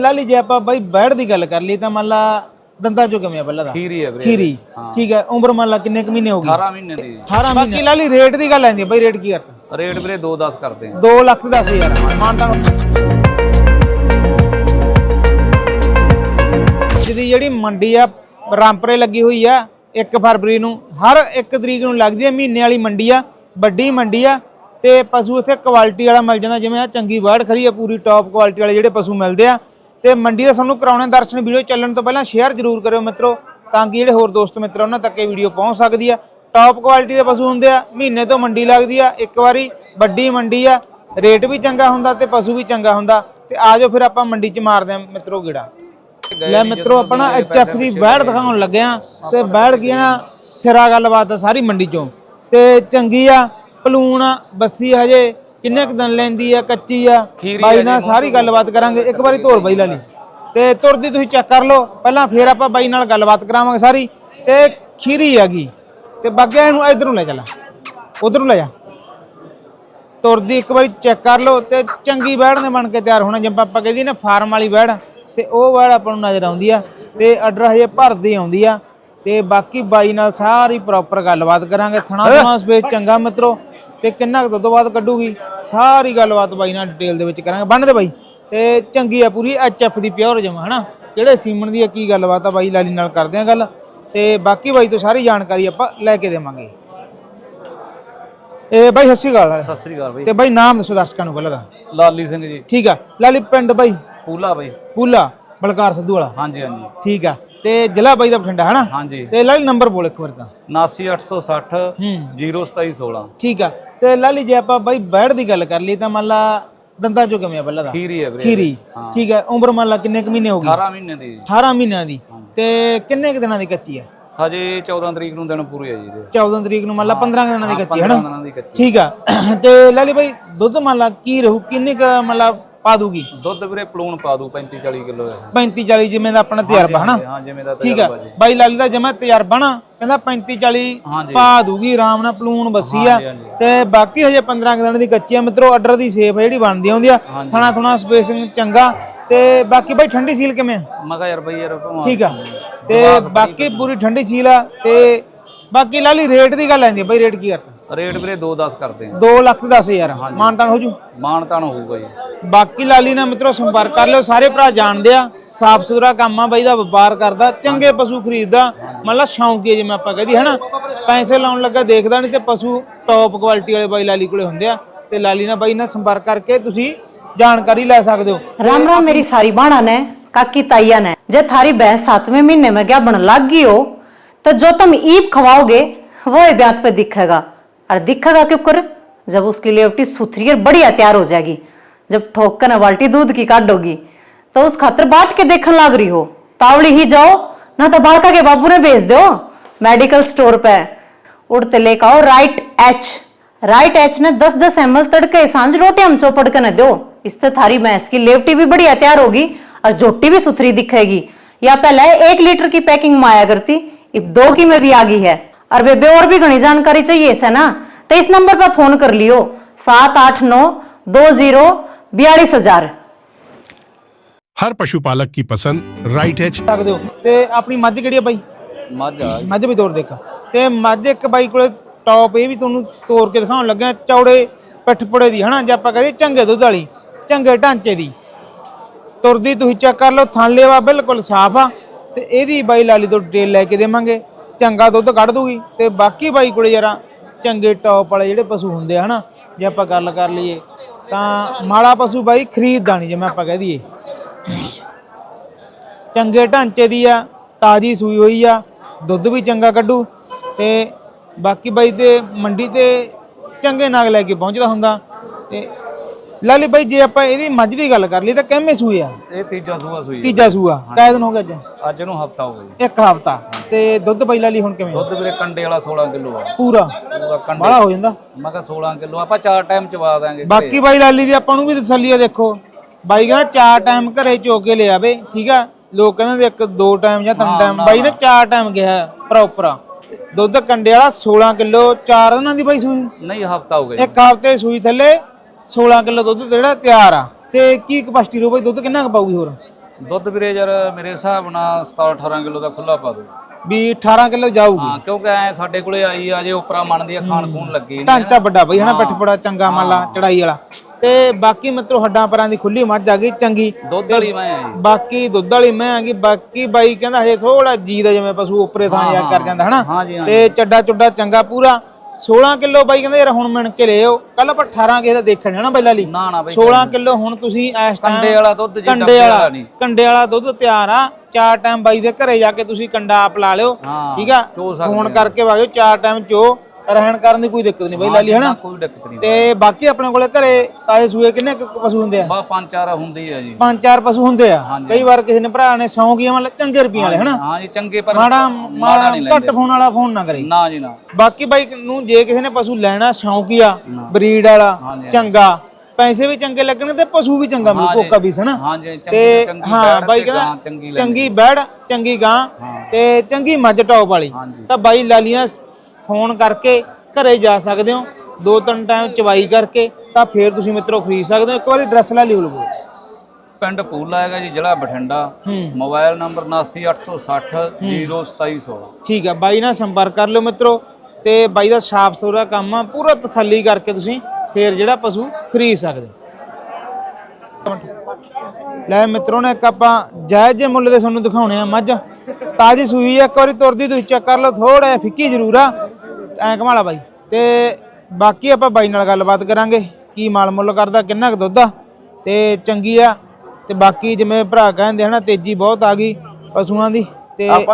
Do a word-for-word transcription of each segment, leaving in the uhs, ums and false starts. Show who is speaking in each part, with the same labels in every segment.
Speaker 1: लाली जे आप बाई बैठ की गल कर ली तो मान ला दंदा चो किवें पहला दा
Speaker 2: खीरी है
Speaker 1: खीरी ठीक है उम्र मान ला किन्ने क महीने होगी
Speaker 2: अठारह महीने दी
Speaker 1: अठारह बाकी लाली रेट की गल आंदी बाई रेट की करता
Speaker 2: रेट वीरे दो दस करते हैं
Speaker 1: दो लाख दस हजार मानता जिहदी जिहड़ी मंडी आ रामपुरे लगी हुई आ एक फरवरी नूं हर एक तरीक नूं लगदी है महीने वाली मंडी आ वड्डी मंडी आ ते पशु इत्थे क्वालिटी वाला मिल जांदा जिवें आ चंगी वाड़ खरी है पूरी टॉप क्वालिटी वाले जिहड़े पशु मिलदे आ ते मंडी दा सानूं कराउणे दर्शन वीडियो चलण तो पहलां शेयर जरूर करियो मित्रों तां कि जिहड़े होर दोस्त मित्र उन्हां तक ये वीडियो पहुंच सकदी आ टॉप क्वालिटी दे पशु हुंदे आ महीने तो मंडी लगदी आ एक वारी वड्डी मंडी आ रेट भी चंगा हुंदा ते पशु भी चंगा हुंदा ते आ जाओ फिर आपां मंडी च मारदे आ मित्रों गेड़ा ले मित्रों अपना एच एफ की बैड़ दिखाउण लगे आ ते बैड़ की ना सिरा गलबात सारी मंडी चों ते चंगी आ पलूण बस्सी हजे किन्ने क दिन लैंदी आ कच्ची आ बाई नाल सारी गलबात करांगे एक बारी धोर बाई ला ली ते तुरदी तुसीं चेक कर लो पहलां फिर आपां बाई नाल गलबात करावांगे सारी ते खीरी हैगी ते बागिया इहनूं इधरों ले चला उधरों ले जा तुरदी एक बारी चेक कर लो ते चंगी बैड़ ने बन के तैयार होना जिवें आपां कहदी ना फार्म वाली बैड़ ते ओह बैड़ आपां नूं नज़र आउंदी आ ते अडर हजे भरदी आउंदी आ ते बाकी बाई नाल सारी प्रॉपर गलबात करांगे थणा थणा स्पेस चंगा मित्रों ते किन्ना क दुੱਧ बाਅਦ ਕੱਢੂਗੀ सारी गलबात बाई नाल डिटेल दे विच करांगे बन दे बाई ते चंगी आ पूरी एच एफ दी प्योर जमा है ना जेड़े सीमन दी की गलबात आ बाई लाली नाल करदे आ गल ते बाकी बाई तो सारी जानकारी आपां लैके देवांगे ए बाई सत श्री अकाल
Speaker 2: सत श्री अकाल बाई
Speaker 1: ते बाई नाम दसो दर्शकां नूं पहिलां दा
Speaker 2: लाली सिंह जी
Speaker 1: ठीक आ लाली पिंड बाई
Speaker 2: पूला बाई
Speaker 1: पूला बलकार सिद्धू वाला
Speaker 2: हां जी हां जी
Speaker 1: ठीक आ ते जिला बाई दा बठिंडा है ना
Speaker 2: हां जी
Speaker 1: ते लाली नंबर बोल एक बार तां
Speaker 2: उनासी अठ सौ सठ जीरो सताई सोलह
Speaker 1: ठीक आ ते लाली जे आपां बाई बैड़ दी गल कर ली तां मान ला दंदा चो किवें पहला दा
Speaker 2: खीरी है वीरे
Speaker 1: खीरी ठीक है उम्र मान ला किन्ने क महीने होगी
Speaker 2: अठारह महीने दी
Speaker 1: अठारह महीनਿਆਂ ਦੀ ਤੇ ਕਿੰਨੇ ਕ ਦਿਨਾਂ ਦੀ ਕੱਚੀ ਆ
Speaker 2: ਹਜੇ चौदह ਤਰੀਕ ਨੂੰ ਦਿਨ ਪੂਰੇ ਆ ਜੀ ਇਹਦੇ
Speaker 1: चौदह ਤਰੀਕ ਨੂੰ ਮੰਨ ਲਾ पंद्रह ਦਿਨਾਂ ਦੀ ਕੱਚੀ ਹੈ ਨਾ
Speaker 2: ਦਿਨਾਂ ਦੀ ਕੱਚੀ
Speaker 1: ਠੀਕ ਆ ਤੇ ਲਾਲੀ ਬਾਈ ਦੁੱਧ ਮੰਨ ਲਾ ਕੀ ਰਹੂ ਕਿੰਨੇ ਕ ਮੰਨ ਲਾ ਪਾ ਦੂਗੀ
Speaker 2: ਦੁੱਧ ਵੀਰੇ ਪਲੂਣ ਪਾ ਦੂ पैंतीस चालीस ਕਿਲੋ
Speaker 1: पैंतीस चालीस ਜਿਵੇਂ ਦਾ ਆਪਣਾ ਤਜਰਬਾ ਹਨਾ
Speaker 2: ਹਾਂ ਜਿਵੇਂ ਦਾ
Speaker 1: ਠੀਕ ਆ ਬਾਈ ਲਾਲੀ ਦਾ ਜਮਾ ਤਜਰਬਾ ਨਾ ਕਹਿੰਦਾ पैंतीस चालीस ਪਾ ਦੂਗੀ ਆਰਾਮ ਨਾਲ ਪਲੂਣ ਬੱਸੀ ਆ ਤੇ ਬਾਕੀ ਹਜੇ पंद्रह ਦਿਨਾਂ ਦੀ ਕੱਚੀ ਆ ਮਿੱਤਰੋ ਆਰਡਰ ਦੀ ਸੇਫ ਜਿਹੜੀ ਬਣਦੀ ਆਉਂਦੀ ਆ ਥਣਾ ਥਣਾ ਸਪੇਸਿੰਗ ਚੰਗਾ ਤੇ ਬਾਕੀ ਬਾਈ ਠੰਡੀ ਸੀਲ ਕਿਵੇਂ ਆ
Speaker 2: ਮੈਂ ਕਿਹਾ ਯਾਰ ਬਾਈ ਯਾਰ
Speaker 1: ਠੀਕ ਆ ਤੇ ਬਾਕੀ ਪੂਰੀ ਠੰਡੀ ਸੀਲ ਆ ਤੇ ਬਾਕੀ ਲਾਲੀ ਰੇਟ ਦੀ ਗੱਲ ਆਂਦੀ ਬਾਈ ਰੇਟ ਕੀ ਕਰਤਾ
Speaker 2: रेट ਵੀਰੇ दो दस करते हैं
Speaker 1: दो ਲੱਖ दस हज़ार मानतान हो जू
Speaker 2: मानतान होगा जी
Speaker 1: बाकी लाली ना मित्रों संपर्क कर लो सारे भरा जानते आ साफ सुथरा काम आ बाई दा व्यापार करदा चंगे पशु खरीददा मतलब शौकी जिवें आपां कहदी है ना पैसे लाउण लगा देखदा नहीं ते पशु टॉप क्वालिटी वाले बाई लाली कोले हुंदे आ ते लाली ना बाई ना संपर्क करके तुसी जानकारी ले सकदे हो।
Speaker 3: राम राम मेरी सारी बाणा ने काकी ताइया ने जे थारी भैंस सातवें महीने में क्या बन लग गई हो तो जो तुम ईप खवाओगे वो ब्यात पे दिखेगा और दिखेगा क्यों कर जब उसकी लेवटी सुथरी और बढ़िया तैयार हो जाएगी जब ठोकर बाल्टी दूध की काटोगी तो उस खातर बाट के देखने लग रही हो तावड़ी ही जाओ ना तो बालका के बाबू ने भेज दो मेडिकल स्टोर पे उड़ते लेकर आओ राइट एच राइट एच ने दस दस एम एल तड़के सांझ रोटी हम चौपड़ के न दो इससे थारी भैंस की लेवटी भी बढ़िया तैयार होगी और झोटी भी सुथरी दिखेगी या पहले एक लीटर की पैकिंग में आया करती अब दो की में भी आ गई है और बेबे और भी घनी जानकारी चाहिए इसे ना तो इस नंबर पर फोन कर लियो सात आठ नौ दो जीरो बयालीस हजार।
Speaker 4: हर पशुपालक की पसंद राइट एच
Speaker 1: सकदे हो ते अपनी मੱਝ ਕਿਹੜੀ ਆ ਬਾਈ
Speaker 2: ਮੱਝ ਆ
Speaker 1: ਮੱਝ ਵੀ ਤੋੜ ਦੇਖ ਤੇ ਮੱਝ ਇੱਕ ਬਾਈ ਕੋਲੇ ਟੌਪ ਇਹ ਵੀ ਤੁਹਾਨੂੰ ਤੋੜ ਕੇ ਦਿਖਾਉਣ ਲੱਗਾ ਚੌੜੇ ਪਿੱਠਪੁੜੇ ਦੀ ਹਨਾ ਜੇ ਆਪਾਂ ਕਹਦੇ ਚੰਗੇ ਦੁੱਧ ਵਾਲੀ ਚੰਗੇ ਢਾਂਚੇ ਦੀ ਤੁਰਦੀ ਤੁਸੀਂ ਚੈੱਕ ਕਰ ਲਓ ਥਾਂਲੇਵਾ ਬਿਲਕੁਲ ਸਾਫ਼ ਆ ਤੇ ਇਹਦੀ ਬਾਈ ਲਾਲੀ ਤੋਂ ਡਿਟੇਲ ਲੈ ਕੇ ਦੇਵਾਂਗੇ ਚੰਗਾ ਦੁੱਧ ਕੱਢ ਦੂਗੀ ਤੇ ਬਾਕੀ ਬਾਈ ਕੋਲੇ ਯਾਰਾ ਚੰਗੇ ਟੌਪ ਵਾਲੇ ਜਿਹੜੇ ਪਸ਼ੂ ਹੁੰਦੇ ਆ ਹਨਾ ਜੇ ਆਪਾਂ ਗੱਲ ਕਰ ਲਈਏ ਤਾਂ ਮਾੜਾ ਪਸ਼ੂ ਬਾਈ ਖਰੀਦਦਾ ਨਹੀਂ ਜਿਵੇਂ ਆਪਾਂ ਕਹਿ ਦਈਏ ਚੰਗੇ ਢਾਂਚੇ ਦੀ ਆ ਤਾਜੀ ਸੂਈ ਹੋਈ ਆ ਦੁੱਧ ਵੀ ਚੰਗਾ ਕੱਢੂ ਤੇ ਬਾਕੀ ਬਾਈ ਤੇ ਮੰਡੀ ਤੇ ਚੰਗੇ ਨਾਗ ਲੈ ਕੇ ਪਹੁੰਚਦਾ ਹੁੰਦਾ ਤੇ ਲਾਲੀ ਬਾਈ ਜੇ ਆਪਾਂ ਇਹਦੀ ਮੱਝ ਦੀ ਗੱਲ ਕਰ ਲਈ ਤਾਂ ਕਿੰਨੇ ਸੂਏ ਆ
Speaker 2: ਇਹ ਤੀਜਾ ਸੂਆ ਸੂਈ
Speaker 1: ਤੀਜਾ ਸੂਆ ਕਾਇ ਦਿਨ ਹੋ ਗਿਆ ਅੱਜ
Speaker 2: ਅੱਜ ਨੂੰ ਹਫਤਾ ਹੋ ਗਿਆ
Speaker 1: ਇੱਕ ਹਫਤਾ ਤੇ ਦੁੱਧ ਬਾਈ ਲਾਲੀ ਹੁਣ ਕਿਵੇਂ
Speaker 2: ਦੁੱਧ ਵੀਰੇ ਕੰਡੇ ਵਾਲਾ सोलह ਕਿਲੋ ਆ
Speaker 1: ਪੂਰਾ
Speaker 2: ਪੂਰਾ ਕੰਡੇ
Speaker 1: ਬਾਹਲਾ ਹੋ ਜਾਂਦਾ
Speaker 2: ਮੈਂ ਕਿਹਾ सोलह ਕਿਲੋ ਆਪਾਂ ਚਾਰ ਟਾਈਮ ਚਵਾ ਦਾਂਗੇ
Speaker 1: ਬਾਕੀ ਬਾਈ ਲਾਲੀ ਦੀ ਆਪਾਂ ਨੂੰ ਵੀ ਤਸੱਲੀ ਆ ਦੇਖੋ ਬਾਈ ਕਹਿੰਦਾ ਚਾਰ ਟਾਈਮ ਘਰੇ ਚੋਕ ਕੇ ਲੈ ਆਵੇ ਠੀਕ ਆ ਲੋਕ ਕਹਿੰਦੇ ਇੱਕ ਦੋ ਟਾਈਮ ਜਾਂ ਤਿੰਨ ਟਾਈਮ ਬਾਈ ਨੇ ਚਾਰ ਟਾਈਮ ਗਿਆ ਪ੍ਰੋਪਰ ਦੁੱਧ ਕੰਡੇ ਵਾਲਾ सोलह ਕਿਲੋ ਚਾਰ ਦਿਨਾਂ ਦੀ ਬਾਈ ਸੂਈ
Speaker 2: ਨਹੀਂ ਹਫਤਾ ਹੋ ਗਿਆ
Speaker 1: ਇੱਕ ਹਫਤੇ ਸੂਈ ਥੱਲੇ सोलह किलो दुध ਜਿਹੜਾ ਤਿਆਰ ਆ ਤੇ ਕੀ ਕਪੈਸਿਟੀ ਰੋ ਬਾਈ ਦੁੱਧ ਕਿੰਨਾ ਕੁ ਪਾਊਗੀ ਹੋਰ
Speaker 2: ਦੁੱਧ ਵੀਰੇ ਯਾਰ ਮੇਰੇ ਹਿਸਾਬ ਨਾਲ ਸਤਾਰਾਂ ਅਠਾਰਾਂ ਕਿਲੋ ਦਾ ਖੁੱਲਾ ਪਾ ਦੋ
Speaker 1: ਵੀ ਅਠਾਰਾਂ ਕਿਲੋ ਜਾਊਗੀ।
Speaker 2: ਹਾਂ ਕਿਉਂਕਿ ਐ ਸਾਡੇ ਕੋਲੇ ਆਈ ਆ ਜੇ ਉਪਰਾ ਮੰਨਦੀ ਆ ਖਾਣ ਖੂਨ ਲੱਗੀ ਨੀ
Speaker 1: ਢਾਂਚਾ ਵੱਡਾ ਬਈ ਹਨਾ, ਪਿੱਠ ਬੜਾ ਚੰਗਾ ਮੰਨ ਲਾ ਚੜਾਈ ਵਾਲਾ। ਤੇ ਬਾਕੀ ਮਿੱਤਰੋ ਹੱਡਾਂ ਪਰਾਂ ਦੀ ਖੁੱਲੀ ਮੱਝ ਆ ਗਈ ਚੰਗੀ,
Speaker 2: ਦੁੱਧ ਵਾਲੀ ਮੈਂ ਆ ਜੀ।
Speaker 1: ਬਾਕੀ ਦੁੱਧ ਵਾਲੀ ਮੈਂ ਆ ਗਈ। ਬਾਕੀ ਬਾਈ ਕਹਿੰਦਾ ਹਜੇ ਥੋੜਾ ਜੀ ਦਾ ਜਿਵੇਂ ਪਸ਼ੂ ਉੱਪਰੇ ਥਾਂ ਜਾ ਕਰ ਜਾਂਦਾ ਹਨਾ,
Speaker 2: ਹਾਂਜੀ ਹਾਂ
Speaker 1: ਤੇ ਚੱਡਾ ਚੁੱਡਾ ਚੰਗਾ ਪੂਰਾ। ਸੋਲਾਂ ਕਿਲੋ ਬਾਈ ਕਹਿੰਦਾ ਯਾਰ ਹੁਣ ਮਿਣ ਕੇ ਲਿਓ, ਕੱਲ ਆਪਾਂ ਅਠਾਰਾਂ ਕਿਸੇ ਦਾ ਦੇਖਣ ਜਾਣਾ ਪਹਿਲਾਂ ਲਈ।
Speaker 2: ਨਾ ਨਾ ਬਈ
Speaker 1: ਸੋਲਾਂ ਕਿਲੋ ਹੁਣ ਤੁਸੀਂ ਇਸ ਟਾਈਮ
Speaker 2: ਕੰਡੇ ਵਾਲਾ ਦੁੱਧ ਜੀ
Speaker 1: ਕੰਡੇ
Speaker 2: ਡੱਬੇ
Speaker 1: ਵਾਲਾ
Speaker 2: ਵਾਲਾ ਨਹੀਂ।
Speaker 1: ਕੰਡੇ ਵਾਲਾ ਦੁੱਧ ਤਿਆਰ ਆ। ਚਾਰ ਟਾਈਮ ਬਾਈ ਦੇ ਘਰੇ ਜਾ ਕੇ ਤੁਸੀਂ ਕੰਡਾ ਆਪ ਲਾ ਲਿਓ,
Speaker 2: ਹਾਂ,
Speaker 1: ਠੀਕ ਆ।
Speaker 2: ਚੋ ਸਕਦੇ
Speaker 1: ਫੋਨ
Speaker 2: ਆ।
Speaker 1: ਕਰਕੇ ਵਾਜੋ, ਚਾਰ ਟਾਈਮ ਚੋ ਰਹਿਣ ਕਰਨ ਦੀ ਕੋਈ ਦਿੱਕਤ ਨਹੀਂ ਬਾਈ ਲਾਲੀ ਹਨਾ।
Speaker 2: ਕੋਈ ਦਿੱਕਤ ਨਹੀਂ।
Speaker 1: ਤੇ ਬਾਕੀ ਆਪਣੇ ਕੋਲੇ ਘਰੇ ਤਾਜ਼ੇ ਸੂਏ ਕਿੰਨੇ ਕੁ ਪਸ਼ੂ ਹੁੰਦੇ ਆ?
Speaker 2: ਬਾ ਪੰਜ ਚਾਰ ਹੁੰਦੀ ਆ ਜੀ।
Speaker 1: ਪੰਜ ਚਾਰ ਪਸ਼ੂ ਹੁੰਦੇ ਆ। ਕਈ ਵਾਰ ਕਿਸੇ ਨੇ ਭਰਾ ਨੇ ਸੌਂ ਗਿਆ ਮਤਲਬ ਚੰਗੇ ਰੁਪਈਆਂ ਵਾਲੇ ਹਨਾ।
Speaker 2: ਹਾਂ ਜੀ ਚੰਗੇ ਪਰ
Speaker 1: ਮਾੜਾ
Speaker 2: ਮਾੜਾ
Speaker 1: ਮਾੜਾ
Speaker 2: ਨਹੀਂ
Speaker 1: ਘੱਟ
Speaker 2: ਲੈਂਦੇ।
Speaker 1: ਫੋਨ ਵਾਲਾ ਫੋਨ ਨਾ ਕਰੇ।
Speaker 2: ਨਾ ਜੀ ਨਾ।
Speaker 1: ਬਾਕੀ ਬਾਈ ਨੂੰ ਜੇ ਕਿਸੇ ਨੇ ਪਸ਼ੂ ਲੈਣਾ ਸ਼ੌਂਕੀਆ ਬਰੀਡ ਵਾਲਾ
Speaker 2: ਹਾਂਜੀ,
Speaker 1: ਚੰਗਾ, ਪੈਸੇ ਵੀ ਚੰਗੇ ਲੱਗਣੇ ਤੇ ਪਸ਼ੂ ਵੀ ਚੰਗਾ ਮਿਲੂ ਕੋਕਾ ਵੀ ਹਨਾ।
Speaker 2: ਹਾਂਜੀ ਚੰਗੀ
Speaker 1: ਤੇ
Speaker 2: ਚੰਗੀ
Speaker 1: ਹਾਂ
Speaker 2: ਬੈੜ
Speaker 1: ਬਾਈ
Speaker 2: ਤੇ
Speaker 1: ਕਹਿੰਦਾ
Speaker 2: ਗਾਂ ਚੰਗੀ
Speaker 1: ਚੰਗੀ ਬੈੜ ਚੰਗੀ ਗਾਂ ਤੇ ਚੰਗੀ ਮੱਝ ਟੌਪ ਵਾਲੀ।
Speaker 2: ਹਾਂਜੀ।
Speaker 1: ਤਾਂ ਬਾਈ ਲਾਲੀਆਂ ਫੋਨ ਕਰਕੇ ਘਰੇ ਜਾ ਸਕਦੇ ਹੋ, ਦੋ ਤਿੰਨ ਟਾਈਮ ਚਵਾਈ ਕਰਕੇ ਤਾਂ ਫੇਰ ਤੁਸੀਂ ਮਿੱਤਰੋ ਖਰੀਦ ਸਕਦੇ ਹੋ। ਇੱਕ ਵਾਰੀ ਐਡਰੈਸ ਲੈ ਲਿਓ ਲਵੋ।
Speaker 2: ਪਿੰਡ ਪੂਲਾ ਹੈਗਾ ਜੀ, ਜ਼ਿਲ੍ਹਾ ਬਠਿੰਡਾ।
Speaker 1: ਹੂੰ
Speaker 2: ਮੋਬਾਈਲ ਨੰਬਰ ਉਨਾਸੀ ਅੱਠ ਸੌ ਸੱਠ ਜ਼ੀਰੋ ਸਤਾਈ ਸੌ।
Speaker 1: ਠੀਕ ਆ ਬਾਈ ਨਾਲ ਸੰਪਰਕ ਕਰ ਲਿਓ ਮਿੱਤਰੋ। ਤੇ ਬਾਈ ਦਾ ਸਾਫ ਸੁਥਰਾ ਕੰਮ ਆ, ਪੂਰਾ ਤਸੱਲੀ ਕਰਕੇ ਤੁਸੀਂ ਫੇਰ ਜਿਹੜਾ ਪਸ਼ੂ ਖਰੀਦ ਸਕਦੇ ਹੋ। ਲੈ ਮਿੱਤਰੋ ਨੇ ਇੱਕ ਆਪਾਂ ਜਾਇਜ਼ ਜਿਹੇ ਮੁੱਲ ਦੇ ਤੁਹਾਨੂੰ ਦਿਖਾਉਣੇ ਆ ਮੱਝ, ਤਾਜ਼ੀ ਸੂਈ ਆ। ਇੱਕ ਵਾਰੀ ਤੁਰਦੀ ਤੁਸੀਂ ਚੈੱਕ ਕਰ ਲਓ, ਥੋੜਾ ਜਿਹਾ ਫਿੱਕੀ ਜ਼ਰੂਰ ਆ, ਐਂ ਘਮਾਲਾ ਬਾਈ। ਤੇ ਬਾਕੀ ਆਪਾਂ ਬਾਈ ਨਾਲ ਗੱਲਬਾਤ ਕਰਾਂਗੇ ਕੀ ਮਾਲ ਮੁੱਲ ਕਰਦਾ, ਕਿੰਨਾ ਕੁ ਦੁੱਧ ਆ ਤੇ ਚੰਗੀ ਆ। ਤੇ ਬਾਕੀ ਜਿਵੇਂ ਭਰਾ ਕਹਿੰਦੇ ਹਨਾ ਤੇਜ਼ੀ ਬਹੁਤ ਆ ਗਈ ਪਸ਼ੂਆਂ ਦੀ, ਤੇ ਆਪਾਂ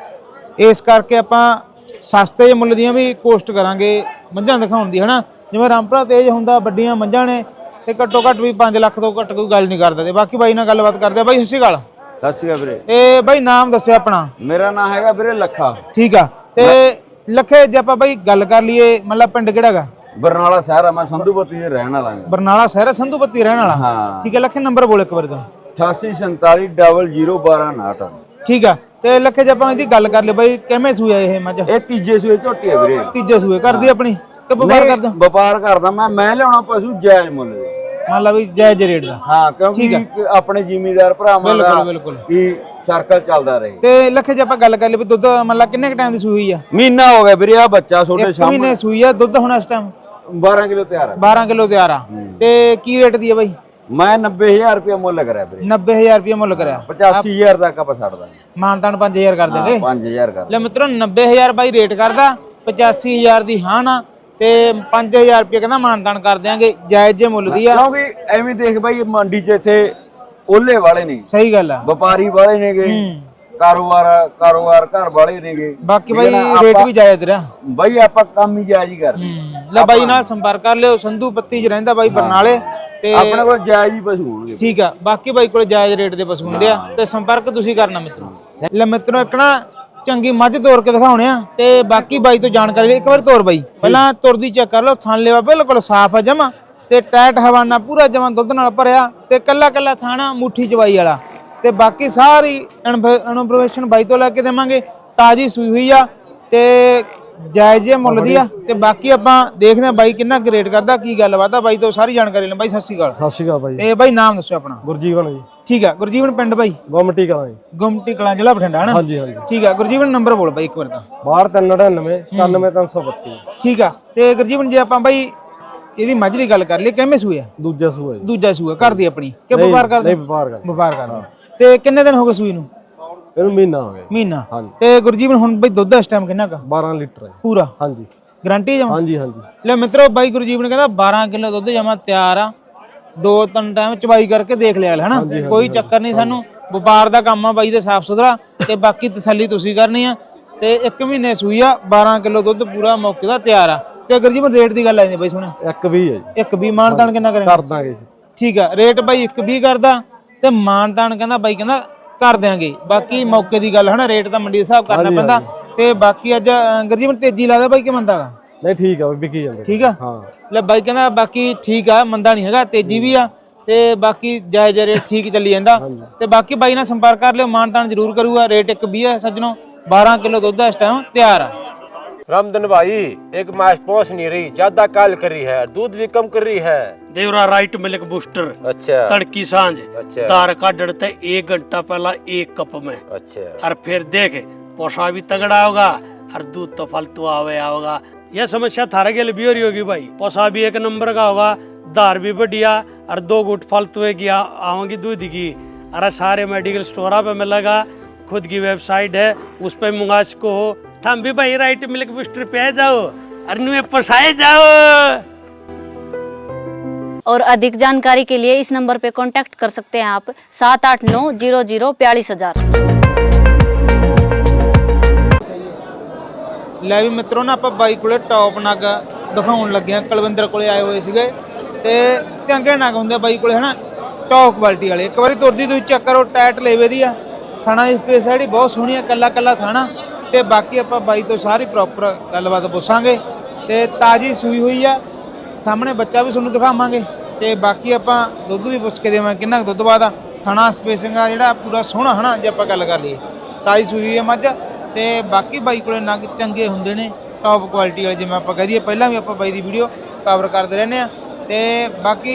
Speaker 1: ਇਸ ਕਰਕੇ ਆਪਾਂ ਸਸਤੇ ਜਿਹੇ ਮੁੱਲ ਦੀਆਂ ਵੀ ਕੋਸ਼ਟ ਕਰਾਂਗੇ ਮੱਝਾਂ ਦਿਖਾਉਣ ਦੀ ਹਨਾ। ਜਿਵੇਂ ਰਾਮਪੁਰਾ ਤੇਜ ਹੁੰਦਾ, ਵੱਡੀਆਂ ਮੱਝਾਂ ਨੇ ਤੇ ਘੱਟੋ ਘੱਟ ਵੀ ਪੰਜ ਲੱਖ ਤੋਂ ਘੱਟ ਕੋਈ ਗੱਲ ਨਹੀਂ ਕਰਦਾ। ਤੇ ਬਾਕੀ ਬਾਈ ਨਾਲ ਗੱਲਬਾਤ ਕਰਦੇ ਆ। ਬਾਈ ਸਤਿ ਸ਼੍ਰੀ ਅਕਾਲ।
Speaker 5: ਸਤਿ ਸ਼੍ਰੀ ਅਕਾਲ ਵੀਰੇ।
Speaker 1: ਇਹ ਬਾਈ ਨਾਮ ਦੱਸਿਓ ਆਪਣਾ।
Speaker 5: ਮੇਰਾ ਨਾਮ ਹੈਗਾ ਵੀਰੇ ਲੱਖਾ।
Speaker 1: ਠੀਕ ਆ। ਤੇ ਲੱਖੇ ਜੇ ਆਪਾਂ ਬਾਈ ਗੱਲ ਕਰ ਲਈਏ ਮਤਲਬ ਪਿੰਡ ਕਿਹੜਾ ਹੈਗਾ?
Speaker 5: ਬਰਨਾਲਾ ਸ਼ਹਿਰ ਆ, ਮੈਂ ਸੰਧੂਪਤੀ ਦੇ ਰਹਿਣ ਵਾਲਾ ਹਾਂ।
Speaker 1: ਬਰਨਾਲਾ ਸ਼ਹਿਰ ਸੰਧੂਪਤੀ ਰਹਿਣ ਵਾਲਾ।
Speaker 5: ਹਾਂ
Speaker 1: ਠੀਕ ਹੈ ਲੱਖੇ, ਨੰਬਰ ਬੋਲ ਇੱਕ ਵਾਰ ਤਾਂ।
Speaker 5: ਅਠਾਸੀ ਸੰਤਾਲੀ ਡਬਲ ਜ਼ੀਰੋ ਬਾਰਾਂ ਉਨਾਹਠ।
Speaker 1: ਠੀਕ ਆ। ਤੇ ਲੱਖੇ ਜੇ ਆਪਾਂ ਇਹਦੀ ਗੱਲ ਕਰ ਲਈ ਬਾਈ ਕਿਵੇਂ ਸੂਆ ਇਹ ਮੱਝ?
Speaker 5: ਇਹ ਤੀਜੇ ਸੂਏ ਝੋਟੀ ਹੈ ਵੀਰੇ।
Speaker 1: ਤੀਜੇ ਸੂਏ ਕਰਦੀ ਆਪਣੀ ਕਿ ਵਪਾਰ ਕਰਦਾ?
Speaker 5: ਵਪਾਰ ਕਰਦਾ ਮੈਂ ਮੈਂ ਲਿਆਉਣਾ ਪਸ਼ੂ ਜਾਇਜ਼ ਮੁੱਲ ਦੇ।
Speaker 1: ਮੰਨ ਲਾ ਵੀ ਜਾਇਜ਼ ਰੇਟ ਦਾ।
Speaker 5: ਹਾਂ ਕਿਉਂਕਿ ਆਪਣੇ ਜ਼ਿਮੀਦਾਰ ਭਰਾਵਾਂ ਦਾ
Speaker 1: ਬਿਲਕੁਲ ਬਿਲਕੁਲ
Speaker 5: ਕੀ ਸਰਕਲ ਚੱਲਦਾ ਰਹੇ।
Speaker 1: ਤੇ ਲੱਖੇ ਜੇ ਆਪਾਂ ਗੱਲ ਕਰ ਲਈ ਵੀ ਦੁੱਧ ਮੰਨ ਲਾ ਕਿੰਨੇ ਕ ਟਾਈਮ ਦੀ ਸੂਈ ਹੋਈ ਆ?
Speaker 5: ਮਹੀਨਾ ਹੋ ਗਿਆ ਵੀਰੇ, ਆ ਬੱਚਾ ਤੁਹਾਡੇ
Speaker 1: ਇੱਕ
Speaker 5: ਸਾਹਮਣੇ
Speaker 1: ਮਹੀਨੇ ਸੂਈ ਆ। ਦੁੱਧ ਹੁਣ ਇਸ ਟਾਈਮ
Speaker 5: ਬਾਰਾਂ ਕਿਲੋ ਤਿਆਰ ਹੈ।
Speaker 1: ਬਾਰਾਂ ਕਿਲੋ ਤਿਆਰ ਆ। ਤੇ ਕੀ ਰੇਟ ਦੀ ਆ ਬਾਈ?
Speaker 5: ਮੈਂ ਨੱਬੇ ਹਜ਼ਾਰ ਰੁਪਏ ਮੁੱਲ ਕਰਿਆ ਵੀਰੇ।
Speaker 1: ਨੱਬੇ ਹਜ਼ਾਰ ਰੁਪਏ ਮੁੱਲ ਕਰਿਆ।
Speaker 5: ਪਚਾਸੀ ਹਜ਼ਾਰ ਤੱਕ ਆਪਾਂ ਛੱਡ ਦਾਂਗੇ।
Speaker 1: ਮਾਨਤਾਨ ਪੰਜ ਹਜ਼ਾਰ ਕਰ ਦੇਗੇ।
Speaker 5: ਪੰਜ ਹਜ਼ਾਰ ਕਰ
Speaker 1: ਲੈ ਮਿੱਤਰੋ ਨੱਬੇ ਹਜ਼ਾਰ ਬਾਈ ਰੇਟ ਕਰਦਾ, ਪਚਾਸੀ ਹਜ਼ਾਰ ਦੀ ਹਾਂ ਨਾ ਤੇ ਪੰਜ ਹਜ਼ਾਰ ਰੁਪਏ ਕਹਿੰਦਾ ਮਾਨਤਾਨ ਕਰ ਦਿਆਂਗੇ, ਜਾਇਜ਼ ਜੇ ਮੁੱਲ ਦੀ ਆ।
Speaker 5: ਕਿਉਂਕਿ ਐਵੇਂ ਦੇਖ ਬਾਈ ਮੰਡੀ 'ਚ ਇੱਥੇ ਓਲੇ ਵਾਲੇ ਨੇ,
Speaker 1: ਸਹੀ ਗੱਲ ਆ।
Speaker 5: ਵਪਾਰੀ ਵਾਲੇ ਨੇਗੇ, ਕਾਰੋਬਾਰ ਕਾਰੋਬਾਰ ਘਰ ਵਾਲੇ ਨੇਗੇ।
Speaker 1: ਬਾਕੀ ਬਾਈ ਰੇਟ ਵੀ ਜਾਇਜ਼ ਤੇਰਾ
Speaker 5: ਬਾਈ ਆਪਾਂ ਕੰਮ ਹੀ ਜਾਇਜ਼ ਹੀ ਕਰਦੇ।
Speaker 1: ਲੈ ਬਾਈ ਨਾਲ ਸੰਪਰਕ ਕਰ ਲਿਓ। ਸੰਧੂ ਪੱਤੀ 'ਚ ਰਹਿੰਦਾ ਬਾਈ ਬਰਨਾਲੇ। ਤੇ
Speaker 5: ਆਪਣੇ ਕੋਲ ਜਾਇਜ਼ ਹੀ ਪਸ਼ੂ ਹੋਣਗੇ।
Speaker 1: ਠੀਕ ਆ। ਬਾਕੀ ਬਾਈ ਕੋਲ ਜਾਇਜ਼ ਰੇਟ ਦੇ ਪਸ਼ੂ ਹੁੰਦੇ ਆ ਤੇ ਸੰਪਰਕ ਤੁਸੀਂ ਕਰਨਾ ਮਿੱਤਰੋ। ਲੈ ਮਿੱਤਰੋ ਇੱਕ ਨਾ ਚੰਗੀ ਮੱਝ ਤੋਰ ਕੇ ਦਿਖਾਉਣੇ ਆ ਤੇ ਬਾਕੀ ਬਾਈ ਤੋਂ ਜਾਣਕਾਰੀ ਲਈ ਇੱਕ ਵਾਰ ਤੋਰ ਬਾਈ। ਪਹਿਲਾਂ ਤੁਰਦੀ ਚੈੱਕ ਕਰ ਲਓ, ਥਣ ਲੇਵਾ ਬਿਲਕੁਲ ਸਾਫ਼ ਆ ਜਮਾ ਤੇ ਟੈਟ ਹਵਾਨਾ ਪੂਰਾ ਜਮਾ ਦੁੱਧ ਨਾਲ ਭਰਿਆ ਤੇ ਕੱਲਾ ਕੱਲਾ ਥਾਣਾ ਮੁੱਠੀ ਚਵਾਈ ਵਾਲਾ। ਤੇ ਬਾਕੀ ਸਾਰੀ ਇਨਫੋਰਮੇਸ਼ਨ ਬਾਈ ਤੋਂ ਲੈ ਕੇ ਦੇਵਾਂਗੇ। ਤਾਜੀ ਸੂਈ ਹੋਈ ਆ ਤੇ ਜਾਇਜ਼ ਜਿਹੇ ਮੁੱਲ ਦੀ ਆ। ਤੇ ਬਾਕੀ ਆਪਾਂ ਦੇਖਦੇ ਆ ਬਾਈ ਕਿੰਨਾ ਕੁ ਰੇਟ ਕਰਦਾ, ਕੀ ਗੱਲਬਾਤ ਆ। ਬਾਈ ਤੋਂ ਸਾਰੀ ਜਾਣਕਾਰੀ ਲੈ। ਬਾਈ ਸਤਿ ਸ਼੍ਰੀ ਅਕਾਲ।
Speaker 6: ਸਤਿ ਸ਼੍ਰੀ ਅਕਾਲ ਬਾਈ।
Speaker 1: ਤੇ ਬਾਈ ਨਾਮ ਦੱਸੋ ਆਪਣਾ।
Speaker 6: ਗੁਰਜੀਵਨ ਜੀ।
Speaker 1: ਠੀਕ ਆ। ਗੁਰਜੀਵਨ ਪਿੰਡ ਬਾਈ
Speaker 6: ਗੁੰਮਟੀ ਕਲਾਂ ਜੀ।
Speaker 1: ਗੁੰਮਟੀ ਕਲਾਂ ਜ਼ਿਲ੍ਹਾ ਬਠਿੰਡਾ ਹਨਾ।
Speaker 6: ਹਾਂਜੀ ਹਾਂਜੀ।
Speaker 1: ਠੀਕ ਆ। ਗੁਰਜੀਵਨ ਨੰਬਰ ਬੋਲ ਬਾਈ ਇੱਕ ਵਾਰ ਤਾਂ।
Speaker 6: ਬਾਹਰ ਤਿੰਨ ਨੜਿਨਵੇਂ ਇਕਾਨਵੇਂ ਤਿੰਨ ਸੌ ਬੱਤੀ।
Speaker 1: ਠੀਕ ਆ। ਤੇ ਗੁਰਜੀਵਨ ਜੇ ਆਪਾਂ ਬਾਈ ਇਹਦੀ ਮੱਝ ਦੀ ਗੱਲ ਕਰ ਲਈ ਕਿਵੇਂ ਸੂਆ?
Speaker 6: ਦੂਜਾ ਸੂਆ ਜੀ।
Speaker 1: ਦੂਜਾ ਸੂਆ ਕਰਦੀ ਆਪਣੀ ਕਿ ਵਪਾਰ ਕਰਦੇ?
Speaker 6: ਨਹੀਂ ਵਪਾਰ ਕਰਦੇ।
Speaker 1: ਵਪਾਰ ਕਰਦੇ। ਤੇ ਕਿੰਨੇ ਦਿਨ ਹੋ ਗਏ ਸੂਈ ਨੂੰ?
Speaker 6: ਇਹਨੂੰ ਮਹੀਨਾ ਹੋ ਗਿਆ।
Speaker 1: ਮਹੀਨਾ।
Speaker 6: ਹਾਂਜੀ।
Speaker 1: ਤੇ ਗੁਰਜੀਵਨ ਹੁਣ ਬਾਈ ਦੁੱਧ ਇਸ ਟਾਈਮ ਕਿੰਨਾ ਕਾ?
Speaker 6: ਬਾਰਾਂ ਲੀਟਰ ਹੈ
Speaker 1: ਪੂਰਾ?
Speaker 6: ਹਾਂਜੀ।
Speaker 1: ਗਾਰੰਟੀ ਜਮਾ?
Speaker 6: ਹਾਂਜੀ ਹਾਂਜੀ।
Speaker 1: ਲੈ ਮਿੱਤਰੋ ਬਾਈ ਗੁਰਜੀਵਨ ਕਹਿੰਦਾ ਬਾਰਾਂ ਕਿਲੋ ਦੁੱਧ ਜਮਾ ਤਿਆਰ ਆ। ਦੋ ਤਿੰਨ ਟਾਈਮ ਚਵਾਈ ਕਰਕੇ ਦੇਖ ਲਿਆ ਹਨਾ, ਕੋਈ ਚੱਕਰ ਨਹੀਂ ਸਾਨੂੰ। ਵਪਾਰ ਦਾ ਕੰਮ ਆ ਬਾਈ ਦੇ ਸਾਫ ਸੁਥਰਾ ਤੇ ਬਾਕੀ ਤਸੱਲੀ ਤੁਸੀਂ ਕਰਨੀ ਆ। ਤੇ ਇੱਕ ਮਹੀਨੇ ਸੂਈ ਆ, ਬਾਰਾਂ ਕਿਲੋ ਦੁੱਧ ਪੂਰਾ ਮੌਕੇ ਦਾ ਤਿਆਰ ਆ। ਤੇ ਗੁਰਜੀਵਨ ਰੇਟ ਦੀ ਗੱਲ ਆਈ ਬਾਈ ਸੁਣਿਆ
Speaker 6: ਇੱਕ ਵੀਹ ਹੈ ਜੀ।
Speaker 1: ਇੱਕ ਵੀਹ ਮਾਨਤਾਨ ਕਿੰਨਾ ਕਰੇਗਾ?
Speaker 6: ਕਰ ਦਾਂਗੇ ਜੀ।
Speaker 1: ਠੀਕ ਆ। ਰੇਟ ਬਾਈ ਇੱਕ ਵੀਹ ਕਰਦਾ ਤੇ ਮਾਨਤਾਨ ਕਹਿੰਦਾ ਬਾਈ ਕਹਿੰਦਾ ਕਰ ਦਿਆਂਗੇ। ਬਾਕੀ ਮੌਕੇ ਦੀ ਗੱਲ ਹਨਾ, ਰੇਟ ਤਾਂ ਮੰਡੀ ਦੇ ਹਿਸਾਬ ਕਰਨਾ ਪੈਂਦਾ। ਤੇ ਬਾਕੀ ਅੱਜ ਗੁਰਜੀਵਨ ਤੇਜ਼ੀ ਲਾਦਾ ਬਾਈ ਕਿ ਮੰਦਾ ਗਾ?
Speaker 6: ਨਹੀਂ ਠੀਕ ਆ ਵਿਕੀ ਜਾਂਦੇ।
Speaker 1: ਠੀਕ ਆ।
Speaker 6: ਹਾਂ
Speaker 1: ਲੈ ਬਾਈ ਕਹਿੰਦਾ ਬਾਕੀ ਠੀਕ ਆ, ਮੰਦਾ ਨਹੀਂ ਹੈਗਾ, ਤੇਜ਼ੀ ਵੀ ਆ ਤੇ ਬਾਕੀ ਜਾਇਜ਼ ਰੇਟ ਠੀਕ ਚੱਲੀ ਜਾਂਦਾ। ਤੇ ਬਾਕੀ ਬਾਈ ਨਾਲ ਸੰਪਰਕ ਕਰ ਲਿਓ, ਮਾਨਤਾਨ ਜ਼ਰੂਰ ਕਰੂਗਾ। ਰੇਟ ਇੱਕ ਵੀਹ ਹੈ ਸੱਜਣੋ, ਬਾਰਾਂ ਕਿਲੋ ਦੁੱਧ ਇਸ ਟਾਈਮ ਤਿਆਰ ਆ।
Speaker 7: रामधन भाई एक मास पहुंच नहीं रही, ज्यादा काल कर रही है, दूध भी कम कर रही है।
Speaker 8: देवरा राइट मिल्क बूस्टर।
Speaker 7: अच्छा
Speaker 8: तड़की सांझ।
Speaker 7: अच्छा
Speaker 8: दार का डरते एक घंटा पहला एक कप में।
Speaker 7: अच्छा
Speaker 8: और फिर देख पोषा भी तगड़ा होगा और दूध तो फालतू आवे आओगा। यह समस्या थारे के लिए भी हो रही होगी भाई। पोषा भी एक नंबर का होगा, दार भी बढ़िया और दो गुट फालतू की आओगी दूध की। अरे सारे मेडिकल स्टोर पे मिलेगा, खुद की वेबसाइट है उस पर मंगा सको हो। थम भी भाई राइट मिल्क बूस्टर पे आ जाओ और नुए पोसाए जाओ।
Speaker 9: और अधिक जानकारी के लिए इस नंबर पे कांटेक्ट कर सकते हैं आप सात आठ नौ जीरो जीरो बयालीस हजार।
Speaker 1: ਲੈ ਵੀ ਮਿੱਤਰੋ ਨਾ ਆਪਾਂ ਬਾਈ ਕੋਲੇ ਟੌਪ ਨਗ ਦਿਖਾਉਣ ਲੱਗੇ ਆ। ਕੁਲਵਿੰਦਰ ਕੋਲੇ ਆਏ ਹੋਏ ਸੀਗੇ ਤੇ ਚੰਗੇ ਨਗ ਹੁੰਦੇ ਬਾਈ ਕੋਲੇ ਹਨਾ, ਟੌਪ ਕੁਆਲਿਟੀ ਵਾਲੇ। ਇੱਕ ਵਾਰੀ ਤੁਰਦੀ ਤੁਸੀਂ ਚੈੱਕ ਕਰੋ, ਟਾਇਟ ਲੇਵੇ ਦੀ ਆ, ਥਾਣਾ ਦੀ ਸਪੇਸ ਜਿਹੜੀ ਬਹੁਤ ਸੋਹਣੀ ਆ, ਕੱਲਾ ਕੱਲਾ ਥਾਣਾ। ਤੇ ਬਾਕੀ ਆਪਾਂ ਬਾਈ ਤੋਂ ਸਾਰੀ ਪ੍ਰੋਪਰ ਗੱਲਬਾਤ ਪੁੱਛਾਂਗੇ ਤੇ ਤਾਜੀ ਸੂਈ ਹੋਈ ਆ, ਸਾਹਮਣੇ ਬੱਚਾ ਵੀ ਤੁਹਾਨੂੰ ਦਿਖਾਵਾਂਗੇ ਤੇ ਬਾਕੀ ਆਪਾਂ ਦੁੱਧ ਵੀ ਪੁੱਛ ਕੇ ਦੇਵਾਂਗੇ ਕਿੰਨਾ ਕੁ ਦੁੱਧ ਬਾਅਦ ਆ। ਥਾਣਾ ਸਪੇਸਿੰਗ ਆ ਜਿਹੜਾ ਪੂਰਾ ਸੋਹਣਾ ਹਨਾ, ਜੇ ਆਪਾਂ ਗੱਲ ਕਰ ਲਈਏ ਤਾਜੀ ਸੂਈ ਹੋਈ ਆ ਮੱਝ। ਤੇ ਬਾਕੀ ਬਾਈ ਕੋਲੇ ਨਗ ਚੰਗੇ ਹੁੰਦੇ ਨੇ, ਟੌਪ ਕੁਆਲਿਟੀ ਵਾਲੇ, ਜਿਵੇਂ ਆਪਾਂ ਕਹਿ ਦਈਏ। ਪਹਿਲਾਂ ਵੀ ਆਪਾਂ ਬਾਈ ਦੀ ਵੀਡੀਓ ਕਵਰ ਕਰਦੇ ਰਹਿੰਦੇ ਆ ਤੇ ਬਾਕੀ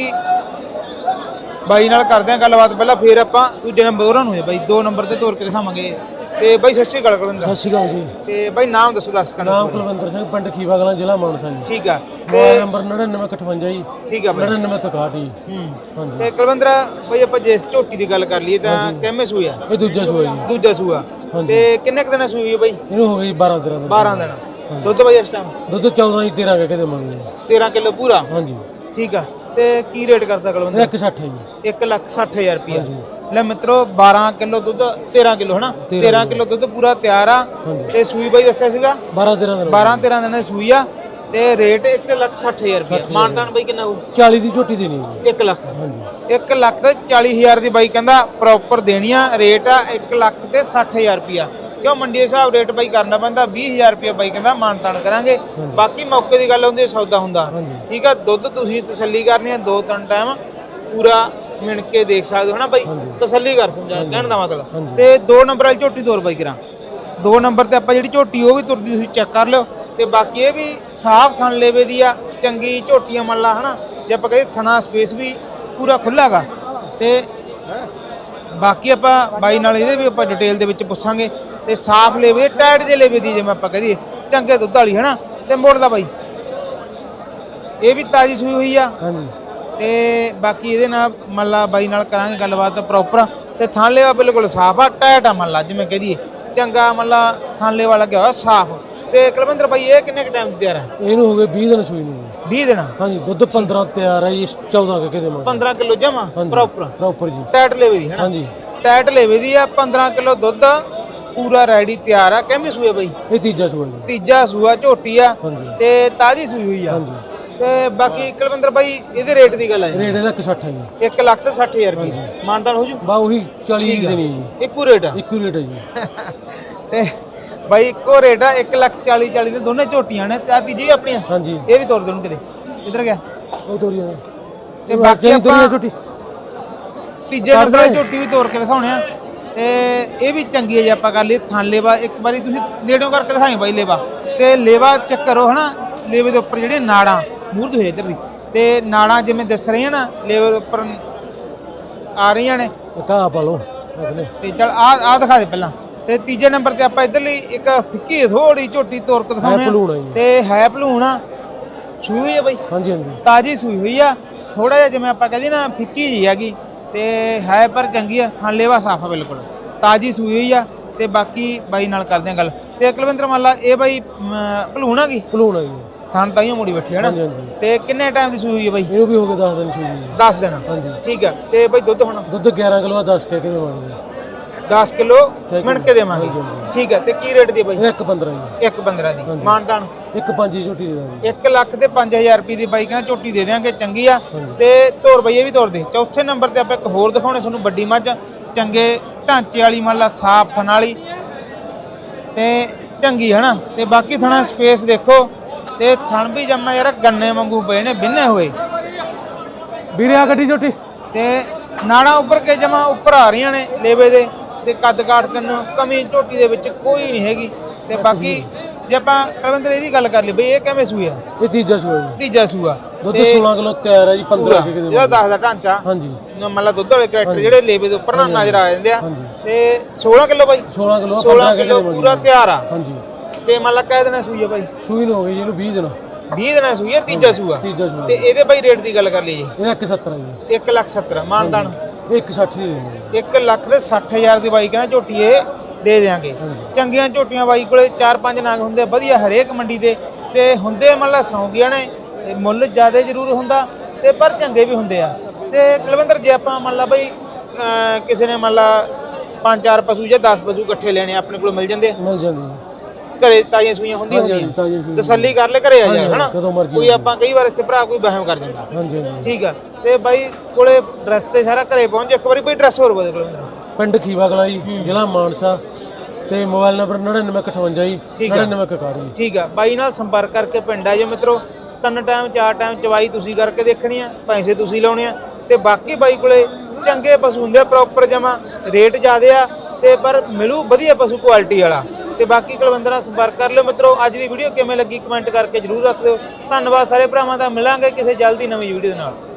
Speaker 1: ਬਾਈ ਨਾਲ ਕਰਦੇ ਆ ਗੱਲਬਾਤ। ਪਹਿਲਾਂ ਫਿਰ ਆਪਾਂ ਦੂਜੇ ਨੰਬਰ ਉਹਨਾਂ ਨੂੰ ਬਾਈ ਦੋ ਨੰਬਰ ਤੇ ਤੋਰ ਕੇ ਦਿਖਾਵਾਂਗੇ। ਤੇ ਬਾਈ ਸਤਿ ਸ਼੍ਰੀ ਅਕਾਲ ਕੁਲਵਿੰਦਰ।
Speaker 6: ਸਤਿ ਸ਼੍ਰੀ ਅਕਾਲ ਜੀ।
Speaker 1: ਤੇ ਬਾਈ ਨਾਮ ਦੱਸੋ ਦਰਸ਼ਕਾਂ ਨੂੰ।
Speaker 6: ਨਾਮ ਕੁਲਵਿੰਦਰ ਸਿੰਘ, ਪਿੰਡ ਖੀਵਾ ਕਲਾਂ, ਜ਼ਿਲ੍ਹਾ ਮਾਨਸਾ ਜੀ।
Speaker 1: ਠੀਕ ਆ।
Speaker 6: ਮੋਬਾਈਲ ਨੰਬਰ ਨੜਿਨਵੇਂ ਅਠਵੰਜਾ ਜੀ।
Speaker 1: ਠੀਕ ਆ ਬਾਈ।
Speaker 6: ਨੜਿਨਵੇਂ ਇਕਾਹਠ ਜੀ।
Speaker 1: ਹੂੰ
Speaker 6: ਹਾਂਜੀ।
Speaker 1: ਤੇ ਕੁਲਵਿੰਦਰ ਬਾਈ ਆਪਾਂ ਜੇ ਇਸ ਝੋਟੀ ਦੀ ਗੱਲ ਕਰ ਲਈਏ ਤਾਂ ਕਿੰਨੇ ਸੂਆ?
Speaker 6: ਇਹ ਦੂਜਾ ਸੂਆ ਜੀ।
Speaker 1: ਦੂਜਾ ਸੂਆ। ਤੇ ਕਿੰਨੇ ਕੁ ਦਿਨਾਂ ਸੂਈ ਹੈ ਬਾਈ?
Speaker 6: ਇਹਨੂੰ ਹੋ ਗਈ ਬਾਰਾਂ ਤੇਰਾਂ ਦਿਨ।
Speaker 1: ਬਾਰਾਂ ਦਿਨ। ਦੁੱਧ ਬਾਈ ਇਸ ਟਾਈਮ
Speaker 6: ਦੁੱਧ ਚੌਦਾਂ ਜੀ ਤੇਰਾਂ ਕਹਿ ਕੇ ਦੇਵਾਂਗੇ।
Speaker 1: ਤੇਰਾਂ ਕਿਲੋ ਪੂਰਾ?
Speaker 6: ਹਾਂਜੀ।
Speaker 1: ਠੀਕ ਆ। ਤੇ ਕੀ ਰੇਟ ਕਰਦਾ ਕੁਲਵਿੰਦਰ?
Speaker 6: ਇੱਕ ਸੱਠ ਹੈ ਜੀ।
Speaker 1: ਇੱਕ ਲੱਖ ਸੱਠ ਹਜ਼ਾਰ ਰੁਪਇਆ। ਲੈ ਮਿੱਤਰੋ ਬਾਰਾਂ ਕਿਲੋ ਦੁੱਧ, ਤੇਰਾਂ ਕਿਲੋ ਹਨਾ, ਤੇਰਾਂ ਕਿਲੋ ਦੁੱਧ ਪੂਰਾ ਤਿਆਰ ਆ। ਤੇ ਸੂਈ ਬਾਈ ਦੱਸਿਆ ਸੀਗਾ
Speaker 6: ਬਾਰਾਂ ਤੇਰਾਂ ਦਿਨ।
Speaker 1: ਬਾਰਾਂ ਤੇਰਾਂ ਦਿਨਾਂ ਦੀ ਸੂਈ ਆ ਤੇ ਰੇਟ ਇੱਕ ਲੱਖ ਸੱਠ ਹਜ਼ਾਰ ਰੁਪਇਆ। ਮਾਨਤਾਨ ਬਾਈ ਕਿੰਨਾ ਹੋਊ?
Speaker 6: ਚਾਲੀ ਦੀ ਝੋਟੀ ਦੇਣੀ ਹੈ।
Speaker 1: ਇੱਕ ਲੱਖ।
Speaker 6: ਹਾਂਜੀ।
Speaker 1: ਇੱਕ ਲੱਖ ਤੇ ਚਾਲੀ ਹਜ਼ਾਰ ਦੀ ਬਾਈ ਕਹਿੰਦਾ ਪ੍ਰੋਪਰ ਦੇਣੀ ਆ। ਰੇਟ ਆ ਇੱਕ ਲੱਖ ਤੇ ਸੱਠ ਹਜ਼ਾਰ ਰੁਪਇਆ। ਕਿਉਂ ਮੰਡੀ ਦੇ ਹਿਸਾਬ ਰੇਟ ਬਾਈ ਕਰਨਾ ਪੈਂਦਾ। ਵੀਹ ਹਜ਼ਾਰ ਰੁਪਇਆ ਬਾਈ ਕਹਿੰਦਾ ਮਾਨਤਾਨ ਕਰਾਂਗੇ। ਬਾਕੀ ਮੌਕੇ ਦੀ ਗੱਲ ਹੁੰਦੀ, ਸੌਦਾ ਹੁੰਦਾ। ਠੀਕ ਆ। ਦੁੱਧ ਤੁਸੀਂ ਤਸੱਲੀ ਕਰਨੀ ਆ, ਦੋ ਤਿੰਨ ਟਾਈਮ ਪੂਰਾ ਮਿਣ ਕੇ ਦੇਖ ਸਕਦੇ ਹੋ ਨਾ ਬਾਈ, ਤਸੱਲੀ ਕਰ ਸਮਝਾ ਕਹਿਣ ਦਾ ਮਤਲਬ। ਤੇ ਦੋ ਨੰਬਰ ਵਾਲੀ ਝੋਟੀ ਤੋਰ ਬਾਈ ਕਰਾਂ। ਦੋ ਨੰਬਰ ਤੇ ਆਪਾਂ ਜਿਹੜੀ ਝੋਟੀ ਉਹ ਵੀ ਤੁਰਦੀ ਤੁਸੀਂ ਚੈੱਕ ਕਰ ਲਿਓ। ਤੇ ਬਾਕੀ ਇਹ ਵੀ ਸਾਫ਼ ਥਣ ਲੇਵੇ ਦੀ ਆ, ਚੰਗੀ ਝੋਟੀਆਂ ਮੰਨ ਲਾ ਹਨਾ, ਜੇ ਆਪਾਂ ਕਹਿੰਦੇ ਥਣਾ ਸਪੇਸ ਵੀ ਪੂਰਾ ਖੁੱਲ੍ਹਾ ਗਾ। ਤੇ ਬਾਕੀ ਆਪਾਂ ਬਾਈ ਨਾਲ ਇਹਦੇ ਵੀ ਆਪਾਂ ਡਿਟੇਲ ਦੇ ਵਿੱਚ ਪੁੱਛਾਂਗੇ। ਤੇ ਸਾਫ਼ ਲੇਵੇ, ਟਾਇਟ ਜੇ ਲੇਵੇ ਦੀ, ਜਿਵੇਂ ਆਪਾਂ ਕਹਦੇ ਚੰਗੇ ਦੁੱਧ ਵਾਲੀ ਹਨਾ। ਤੇ ਮੋੜਦਾ ਬਾਈ ਇਹ ਵੀ ਤਾਜੀ ਸੂਈ ਹੋਈ ਆ।
Speaker 6: ਹਾਂਜੀ।
Speaker 1: ਤੇ ਬਾਕੀ ਇਹਦੇ ਨਾਲ ਮੰਨ ਲਾ ਬਾਈ ਨਾਲ ਕਰਾਂਗੇ ਗੱਲਬਾਤ ਪ੍ਰੋਪਰ। ਤੇ ਥਾਂਲੇ ਵਾ ਬਿਲਕੁਲ ਸਾਫ਼ ਆ, ਟਾਇਟ ਆ ਮੰਨ ਲਾ, ਜਿਵੇਂ ਕਹਿ ਦਈਏ ਚੰਗਾ ਮੰਨ ਲਾ ਥਾਂਲੇ ਵਾਲਾ ਲੱਗਿਆ ਹੋਇਆ ਸਾਫ਼। ਤੇ ਕੁਲਵਿੰਦਰ ਬਾਈ ਇਹ ਕਿੰਨੇ ਕ ਟਾਈਮ ਤਿਆਰ ਹੈ?
Speaker 6: ਇਹਨੂੰ ਹੋ ਗਏ ਵੀਹ ਦਿਨ ਸੂਈ ਨੂੰ।
Speaker 1: ਵੀਹ ਦਿਨ? ਹਾਂਜੀ।
Speaker 6: ਦੁੱਧ ਪੰਦਰਾਂ ਤਿਆਰ ਹੈ ਜੀ, ਚੌਦਾਂ ਕਹਿ ਕੇ ਦੇਵਾਂਗੇ।
Speaker 1: ਪੰਦਰਾਂ ਕਿਲੋ ਜਮਾ ਪ੍ਰੋਪਰ?
Speaker 6: ਪ੍ਰੋਪਰ ਜੀ।
Speaker 1: ਟਾਇਟ ਲੇਵੇ ਦੀ ਹੈ ਨਾ?
Speaker 6: ਹਾਂਜੀ।
Speaker 1: ਟਾਇਟ ਲੇਵੇ ਦੀ ਆ, ਪੰਦਰਾਂ ਕਿਲੋ ਦੁੱਧ ਪੂਰਾ ਰੈਡੀ ਤਿਆਰ ਆ। ਕਿੰਨੇ ਸੂਏ ਬਾਈ?
Speaker 6: ਇਹ ਤੀਜਾ ਸੂਆ ਜੀ।
Speaker 1: ਤੀਜਾ ਸੂਆ ਝੋਟੀ ਆ ਤੇ ਤਾਜੀ ਸੂਈ ਹੋਈ ਆ।
Speaker 6: ਹਾਂਜੀ।
Speaker 1: ਤੇ ਬਾਕੀ ਕੁਲਵਿੰਦਰ ਬਾਈ ਇਹਦੇ ਰੇਟ ਦੀ ਗੱਲ ਹੈ?
Speaker 6: ਰੇਟ ਇਹਦਾ ਇੱਕ ਸੱਠ ਹੈ ਜੀ।
Speaker 1: ਇੱਕ ਲੱਖ ਤੇ ਸੱਠ ਹਜ਼ਾਰ ਰੁਪਏ ਮਾਨਦਾਨ ਹੋ ਜੂ?
Speaker 6: ਬਾ ਉਹੀ ਚਾਲੀ ਦੀ ਦੇਣੀ ਜੀ।
Speaker 1: ਇੱਕੋ ਰੇਟ ਆ?
Speaker 6: ਇੱਕੋ ਰੇਟ ਹੈ ਜੀ।
Speaker 1: ਤੇ ਬਾਈ ਇੱਕੋ ਰੇਟ ਆ, ਇੱਕ ਲੱਖ ਚਾਲੀ ਚਾਲੀ ਦੇ ਦੋਨੇ ਝੋਟੀਆਂ ਨੇ। ਤੇ ਆ ਤੀਜੀ ਵੀ ਆਪਣੀਆਂ?
Speaker 6: ਹਾਂਜੀ।
Speaker 1: ਇਹ ਵੀ ਤੋਰ ਦੇਣ ਕਿਤੇ। ਇੱਧਰ ਗਿਆ
Speaker 6: ਉਹ ਤੋਰੀਆਂ
Speaker 1: ਤੇ ਬਾਕੀ ਆਪਾਂ ਤੀਜੇ ਨੰਬਰ ਵਾਲੀ ਝੋਟੀ ਵੀ ਤੋਰ ਕੇ ਦਿਖਾਉਣੇ ਆ। ਤੇ ਇਹ ਵੀ ਚੰਗੀ ਹੈ ਜੇ ਆਪਾਂ ਕਰ ਲਈ ਥਣ ਲੇਵਾ। ਇੱਕ ਵਾਰੀ ਤੁਸੀਂ ਨੇੜੋਂ ਕਰਕੇ ਦਿਖਾਈ ਬਾਈ ਲੇਵਾ। ਤੇ ਲੇਵਾ ਚੈੱਕ ਕਰੋ ਹਨਾ, ਲੇਵੇ ਦੇ ਉੱਪਰ ਜਿਹੜੇ ਨਾੜਾਂ ਮੂਰਦ ਹੋਏ ਇੱਧਰ ਦੀ, ਤੇ ਨਾੜਾਂ ਜਿਵੇਂ ਦਿਸ ਰਹੀਆਂ ਨਾ ਲੇਵੇ ਦੇ ਉੱਪਰ ਆ ਰਹੀਆਂ ਨੇ।
Speaker 6: ਕਾ ਪਾ ਲਓ
Speaker 1: ਤੇ ਚਲ ਆ ਆ ਦਿਖਾ ਦੇ ਪਹਿਲਾਂ। ਤੇ ਤੀਜੇ ਨੰਬਰ ਤੇ ਆਪਾਂ ਇੱਧਰ ਲਈ ਇੱਕ ਫਿੱਕੀ ਥੋੜੀ ਝੋਟੀ ਤੋਰ ਕੇ ਦਿਖਾਉਣੇ ਆ। ਤੇ ਹੈ ਭਲੂਣ ਆ, ਸੂਈ ਹੋਈ ਆ ਬਾਈ?
Speaker 6: ਹਾਂਜੀ ਹਾਂਜੀ।
Speaker 1: ਤਾਜੀ ਸੂਈ ਹੋਈ ਆ। ਥੋੜਾ ਜਿਹਾ ਜਿਵੇਂ ਆਪਾਂ ਕਹਦੇ ਨਾ ਫਿੱਕੀ ਜੀ ਹੈਗੀ ਤੇ ਹੈ ਪਰ ਚੰਗੀ ਆ। ਥਣ ਲੇਵਾ ਸਾਫ ਆ ਬਿਲਕੁਲ, ਤਾਜੀ ਸੂਈ ਹੋਈ ਆ। ਤੇ ਬਾਕੀ ਬਾਈ ਨਾਲ ਕਰਦੇ ਆ ਗੱਲ। ਤੇ ਕੁਲਵਿੰਦਰ ਮੰਨ ਲਾ ਇਹ ਬਾਈ ਭਲੂਣ ਆ ਗਈ?
Speaker 6: ਭਲੂਣ ਆ ਜੀ।
Speaker 1: ਥਣ ਤਾਈਓ ਮੁੜੀ ਬੈਠੀ ਹੈ ਨਾ? ਤੇ ਕਿੰਨੇ ਟਾਈਮ ਦੀ ਸੂਈ ਹੋਈ ਹੈ ਬਾਈ?
Speaker 6: ਇਹਨੂੰ ਵੀ ਹੋ ਗਏ ਦਸ ਦਿਨ ਸੂਈ ਜੀ।
Speaker 1: ਦਸ ਦਿਨ?
Speaker 6: ਹਾਂਜੀ।
Speaker 1: ਠੀਕ ਆ। ਤੇ ਬਾਈ ਦੁੱਧ ਹੁਣ?
Speaker 6: ਦੁੱਧ ਗਿਆਰਾਂ ਕਿਲੋ ਦਸ ਕਹਿ ਕੇ ਦੇਵਾਂਗੇ।
Speaker 1: ਦਸ ਕਿਲੋ ਮਿਣ ਕੇ ਦੇਵਾਂਗੇ। ਠੀਕ ਆ। ਤੇ ਕੀ ਰੇਟ ਦੀ ਬਾਈ?
Speaker 6: ਇੱਕ ਪੰਦਰਾਂ ਜੀ।
Speaker 1: ਇੱਕ ਪੰਦਰਾਂ ਦੀ ਮਾਨਦਾਨ?
Speaker 6: ਇੱਕ ਪੰਜ ਦੀ ਝੋਟੀ ਦੇ ਦਾਂਗੇ।
Speaker 1: ਇੱਕ ਲੱਖ ਤੇ ਪੰਜ ਹਜ਼ਾਰ ਰੁਪਏ ਦੀ ਬਾਈ ਕਹਿੰਦਾ ਝੋਟੀ ਦੇ ਦਿਆਂਗੇ। ਚੰਗੀ ਆ। ਤੇ ਤੋਰ ਬਾਈ ਇਹ ਵੀ ਤੋਰ ਦੇ। ਚੌਥੇ ਨੰਬਰ ਤੇ ਆਪਾਂ ਇੱਕ ਹੋਰ ਦਿਖਾਉਣੇ ਤੁਹਾਨੂੰ, ਵੱਡੀ ਮੱਝ, ਚੰਗੇ ਢਾਂਚੇ ਵਾਲੀ ਮੰਨ ਲਾ, ਸਾਫ ਥਣ ਵਾਲੀ ਤੇ ਚੰਗੀ ਹੈ ਨਾ। ਤੇ ਬਾਕੀ ਥਣਾ ਸਪੇਸ ਦੇਖੋ। ਤੇ ਥਣ ਵੀ ਜੰਮਾ ਯਾਰ ਗੰਨੇ ਵਾਂਗੂ ਪਏ ਨੇ, ਬਿੰਨੇ ਹੋਏ
Speaker 6: ਵੀਰੇ ਆ ਗੱਡੀ ਝੋਟੀ।
Speaker 1: ਤੇ ਨਾੜਾਂ ਉੱਪਰ ਕੇ ਜਮਾ ਉੱਪਰ ਆ ਰਹੀਆਂ ਨੇ ਲੇਵੇ ਦੇ। ਤੇ ਕੱਦ ਕਾਠ ਕੰਨ ਕਮੀ ਝੋਟੀ ਦੇ ਵਿੱਚ ਕੋਈ ਨਹੀਂ ਹੈਗੀ। ਤੇ ਬਾਕੀ ਜੇ ਆਪਾਂ ਕਲਵਿੰਦਰ ਇਹਦੀ ਗੱਲ ਕਰ ਲਈ ਬਈ ਇਹ ਕਿਵੇਂ ਸੂਆ
Speaker 6: ਇਹ ਤੀਜਾ ਸੂਆ ਜੀ
Speaker 1: ਤੀਜਾ ਸੂਆ
Speaker 6: ਦੁੱਧ ਸੋਲਾਂ ਕਿਲੋ ਤਿਆਰ ਹੈ ਜੀ ਪੰਦਰਾਂ ਕੇ ਕਿਤੇ
Speaker 1: ਇਹਦਾ ਦਸ ਦਾ ਢਾਂਚਾ
Speaker 6: ਹਾਂਜੀ
Speaker 1: ਮੰਨ ਲਾ ਦੁੱਧ ਵਾਲੇ ਕਰੈਕਟਰ ਜਿਹੜੇ ਲੇਵੇ ਦੇ ਉੱਪਰ ਨਾ ਨਜ਼ਰ ਆ ਜਾਂਦੇ ਆ
Speaker 6: ਹਾਂਜੀ।
Speaker 1: ਤੇ ਸੋਲਾਂ ਕਿਲੋ ਬਾਈ
Speaker 6: ਸੋਲਾਂ ਕਿਲੋ
Speaker 1: ਸੋਲਾਂ ਕਿਲੋ ਪੂਰਾ ਤਿਆਰ ਆ
Speaker 6: ਹਾਂਜੀ
Speaker 1: ਤੇ ਮੰਨ ਲਾ ਕਹਿ ਦੇਣਾ ਸੂਈ ਆ ਬਾਈ
Speaker 6: ਸੂਈ ਨੂੰ ਹੋ ਗਈ ਜੀ ਇਹਨੂੰ ਵੀਹ ਦਿਨ
Speaker 1: ਵੀਹ ਦਿਨਾਂ ਸੂਈ ਆ ਤੀਜਾ ਸੂਆ
Speaker 6: ਤੀਜਾ ਸੂਆ
Speaker 1: ਤੇ ਇਹਦੇ ਬਾਈ ਰੇਟ ਦੀ ਗੱਲ ਕਰ ਲਈ ਜੀ
Speaker 6: ਇਹ ਇੱਕ ਸੱਤਰ ਹੈ ਜੀ
Speaker 1: ਇੱਕ ਲੱਖ ਸੱਤਰ ਮਾਨਦਾਨ
Speaker 6: ਇਹ ਇੱਕ ਸੱਠ ਦੀ ਦੇਣੀ
Speaker 1: ਇੱਕ ਲੱਖ ਦੇ ਸੱਠ ਹਜ਼ਾਰ ਦੀ ਬਾਈ ਕਹਿੰਦਾ ਝੋਟੀ ਇਹ ਦੇ ਦਿਆਂਗੇ ਚੰਗੀਆਂ ਝੋਟੀਆਂ ਬਾਈ ਕੋਲੇ ਚਾਰ ਪੰਜ ਨਾਗ ਹੁੰਦੇ ਆ ਵਧੀਆ ਹਰੇਕ ਮੰਡੀ ਦੇ ਤੇ ਹੁੰਦੇ ਮੰਨ ਲਾ ਸੌਂਗੀਆਂ ਨੇ ਤੇ ਮੁੱਲ ਜ਼ਿਆਦਾ ਜ਼ਰੂਰ ਹੁੰਦਾ ਤੇ ਪਰ ਚੰਗੇ ਵੀ ਹੁੰਦੇ ਆ ਤੇ ਕੁਲਵਿੰਦਰ ਜੇ ਆਪਾਂ ਮੰਨ ਲਾ ਬਈ ਅਹ ਕਿਸੇ ਨੇ ਮੰਨ ਲਾ ਪੰਜ ਚਾਰ ਪਸ਼ੂ ਜਾਂ ਦਸ ਪਸ਼ੂ ਇਕੱਠੇ ਲੈਣੇ ਆਪਣੇ ਕੋਲ ਮਿਲ ਜਾਂਦੇ ਆ
Speaker 6: ਮਿਲ ਜਾਂਦੀ
Speaker 1: ਘਰੇ ਤਾਜ਼ੀਆਂ ਸੂਈਆਂ ਹੁੰਦੀਆਂ
Speaker 6: ਹਾਂਜੀ,
Speaker 1: ਹੁੰਦੀਆਂ
Speaker 6: ਤਾਜ਼ੀਆਂ ਸੂਈਆਂ।
Speaker 1: ਤਸੱਲੀ ਕਰ ਲੈ ਘਰੇ ਆ ਜਾ
Speaker 6: ਹਾਂਜੀ,
Speaker 1: ਹਨਾ
Speaker 6: ਕਦੋਂ ਮਰਜ਼ੀ
Speaker 1: ਕੋਈ ਆਪਾਂ ਕਈ ਵਾਰ ਇੱਥੇ ਭਰਾ ਕੋਈ ਵਹਿਮ ਕਰ ਜਾਂਦਾ
Speaker 6: ਹਾਂਜੀ ਹਾਂਜੀ
Speaker 1: ਠੀਕ ਆ ਤੇ ਬਾਈ ਕੋਲੇ ਡਰੈਸ ਤੇ ਸਾਰਾ ਘਰੇ ਪਹੁੰਚ ਇੱਕ ਵਾਰੀ ਬਈ ਡਰੈਸ ਹੋਰ ਬੋਲ ਕੁਲਵਿੰਦਰ
Speaker 6: ਪਿੰਡ ਖੀਵਾ ਕਲਾਂ ਜੀ ਜ਼ਿਲ੍ਹਾ ਮਾਨਸਾ ਤੇ ਮੋਬਾਈਲ ਨੰਬਰ ਨੜਿਨਵੇਂ ਇੱਕ ਅਠਵੰਜਾ ਜੀ
Speaker 1: ਠੀਕ ਆ।
Speaker 6: ਨੜਿਨਵੇਂ ਇਕਾਹਠ ਜੀ
Speaker 1: ਠੀਕ ਆ ਬਾਈ ਨਾਲ ਸੰਪਰਕ ਕਰਕੇ ਪਿੰਡ ਆ ਜਾਓ ਮਿੱਤਰੋ ਤਿੰਨ ਟਾਈਮ ਚਾਰ ਟਾਈਮ ਚਵਾਈ ਤੁਸੀਂ ਕਰਕੇ ਦੇਖਣੀ ਆ ਪੈਸੇ ਤੁਸੀਂ ਲਾਉਣੇ ਆ ਤੇ ਬਾਕੀ ਬਾਈ ਕੋਲੇ ਚੰਗੇ ਪਸ਼ੂ ਹੁੰਦੇ ਆ ਪ੍ਰੋਪਰ ਜਮਾ ਰੇਟ ਜ਼ਿਆਦੇ ਆ ਤੇ ਪਰ ਮਿਲੂ ਵਧੀਆ ਪਸ਼ੂ ਕੁਆਲਿਟੀ ਵਾਲਾ ਤੇ ਬਾਕੀ ਕੁਲਵਿੰਦਰ ਨਾਲ ਸੰਪਰਕ ਕਰ ਲਿਓ ਮਿੱਤਰੋ ਅੱਜ ਦੀ ਵੀਡੀਓ ਕਿਵੇਂ ਲੱਗੀ ਕਮੈਂਟ ਕਰਕੇ ਜਰੂਰ ਦੱਸ ਦਿਓ ਧੰਨਵਾਦ ਸਾਰੇ ਭਰਾਵਾਂ ਦਾ ਮਿਲਾਂਗੇ ਕਿਸੇ ਜਲਦੀ ਨਵੀਂ ਵੀਡੀਓ ਦੇ ਨਾਲ।